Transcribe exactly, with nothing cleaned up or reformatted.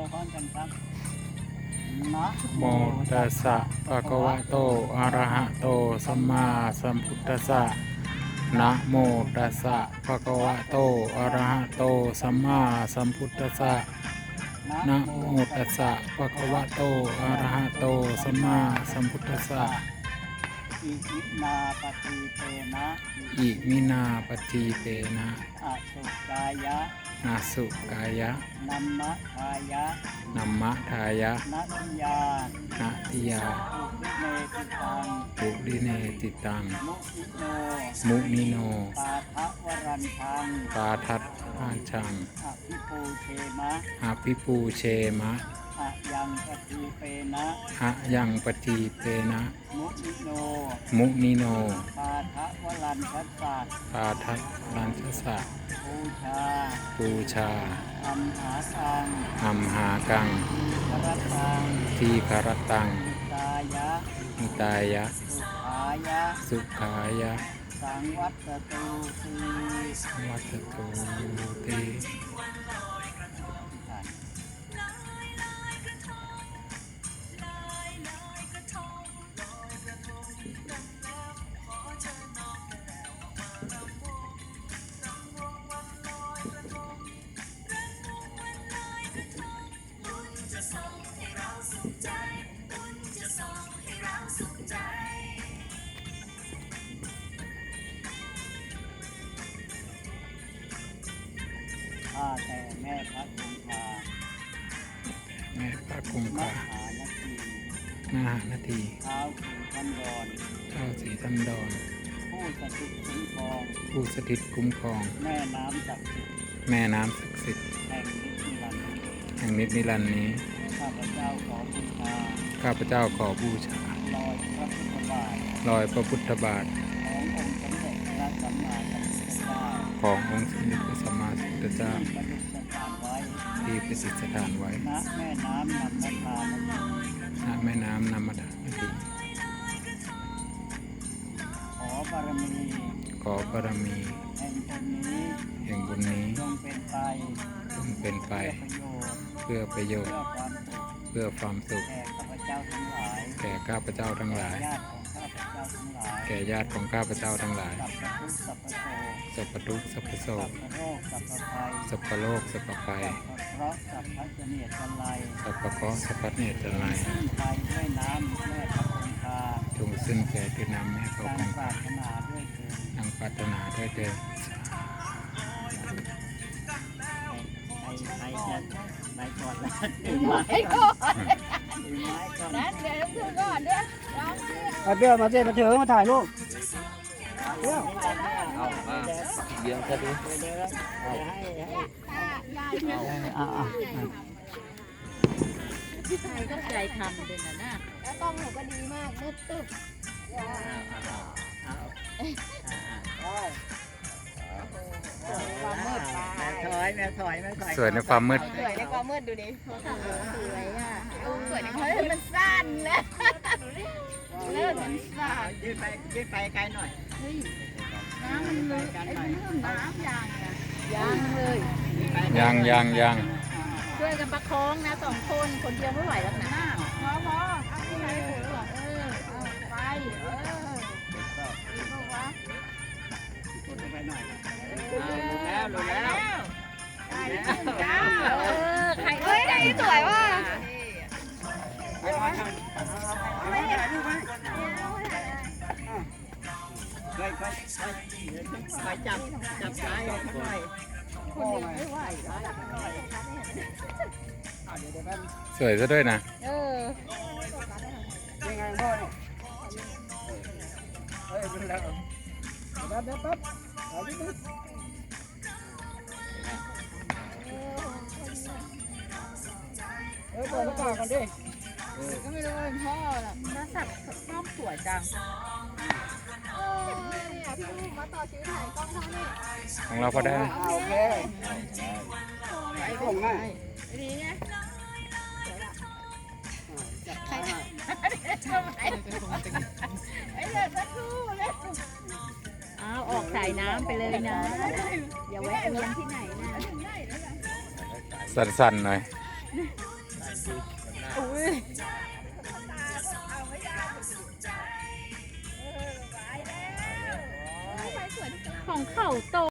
พร้อมกันครับนะโมตัสสะภะคะวะโตอะระหะโตสัมมาสัมพุทธัสสะนะโมตัสสะภะคะวะโตอะระหะโตสัมมาสัมพุทธัสสะนะโมตัสสะภะคะวะโตอะระหะโตสัมมาสัมพุทธัสสะอิมินาปฏิเตนะอิมินาปฏิเตนะอสุกายะนาสุกายะนัมมะทายะนัมมะทายะนัตติยานาทิยาอุปิเนติตังปุริเนติตังมุอิโนมุนิโนปาทะวรันทังปาทัตอาชังอภิปูเทมะอาภิปูเชมะอะยังปฏิเปนะอะยังปฏิเตนะมุอิโนมุนิโนปาทะวรันทัสสะปาทัตรันทสะปูชาปูชาอัมหาตังอัมหากังกรตังทีคารตังตายะมิตายะสุขายะสุขายะสังวัตตูสีวัตโตติข้าแต่แม่พระคงคาแม่พระกุมมภาหานาทีนาหานาทีเท้าถึงทันดอนเท้าสีทันดอนผู้สถิตคุ้มครองผู้สถิตคุ้มครองแม่น้ำศักดิ์สิทธิ์แม่น้ำศักดิ์สิทธิ์แห่งนิพพานแห่งนิจนิรันดร์นี้ข้าพเจ้าขอบูชาข้าพเจ้าขอบูชาลอยพระพุทธบาทรอยพระพุทธบาทขององค์สมเด็จพระสัมมาสัมพุทธเจ้าขององค์สมเด็จพระสัมมาสัมพุทธเจ้าที่ประดิษฐานไว้ที่ประดิษฐานไว้ณแม่น้ำนำมาทานณแม่น้ำนามทานาทีขอบารมีขอบารมีแห่งบุญนี้แห่งบุญนี้จงเป็นไปจงเป็นไปเพื่อประโยชน์เพื่อประโยชน์เพื่อความสุขเพื่อความสุขแก่ข้าพเจ้าทั้งหลายแก่ข้าพเจ้าทั้งหลายแก่ญาติของข้าพเจ้าทั้งหลายแก่ญาติของข้าพเจ้าทั้งหลายสัพพทุกข์สัพพโสสัพพะโรคสัพพภัยสัพพโรคสัพพภัยสัพพะเคราะห์สัพพะเนตรจันไรสัพพะเคราะห์สัพพะเนตรจันไรขึ้นไปด้วยน้ำแม่พระคงคาจงสิ้นแก่ด้วยน้ำแม่พระตาคมงปราคาถนาด้วยเถิดดังปรารถนาด้วยเถิดใครใครจะไหนก่อนนะถือไม้ก่อนถือไม้ก่อนนั้นเดี๋ยวต้องก่อนด้วยร้องเพื่อเอาเบี้ยมาเจ๊มาเถอะมาถ่ายรูปเบี้ยเอามาเดี๋ยวจะดูเดี๋ยวแล้วให้ให้ยายเนี่ยอ่าอ่าใครก็ใจทำเลยนะน่ะแล้วกล้องหนูก็ดีมากมืดตึ๊บความมืดแม่ถอยแม่ถอยแม่ถอยสวยในความมืดสวยในความมืดดูดิสวยอ่ะสวยในความมืดมันสั้นแล้วเลิศมันสั้นยืดไปยืดไปไกลหน่อยเฮ้ยน้ำมันลึกไอ้เรื่องน้ำยางอ่ะยางเลยยังยังยังช่วยกันประคองนะสองคนคนเดียวไม่ไหวแล้วนะพอพอเอาที่ไหนเออเอาไปเออดีปะวะกดไปหน่อยรู้แล้วรู้แล้วได้แล้วจ้าเออใครเอ้ยได้สวยว่ะไปถ่ายรูปไหมไปไปไปจับจับซ้ายเขาหน่อยคนเดียวไม่ไหวแล้วเดี๋ยวเดี๋ยวแป๊บสวยซะด้วยนะเออยังไงพ่อเนี่ยเฮ้ยดูแล้วแป๊บแป๊บแป๊บเอาดิดิเฮ้ยเปิดหน้าต่างกันดิก็ไม่รู้เป็นพ่อหรอกน่าสับชอบสวยจังเออเนี่ยพี่ลูกมาต่อชีวิตถ่ายกล้องเขาเนี่ยของเราพอได้โอเคไอ้ส่งมาดีไงใครทำไมไอ้เด็กสักครู่เลยเอาออกสายน้ำไปเลยนะอย่าแวะเวียนที่ไหนนะสั่นๆหน่อยเอุ้ยของเขาโต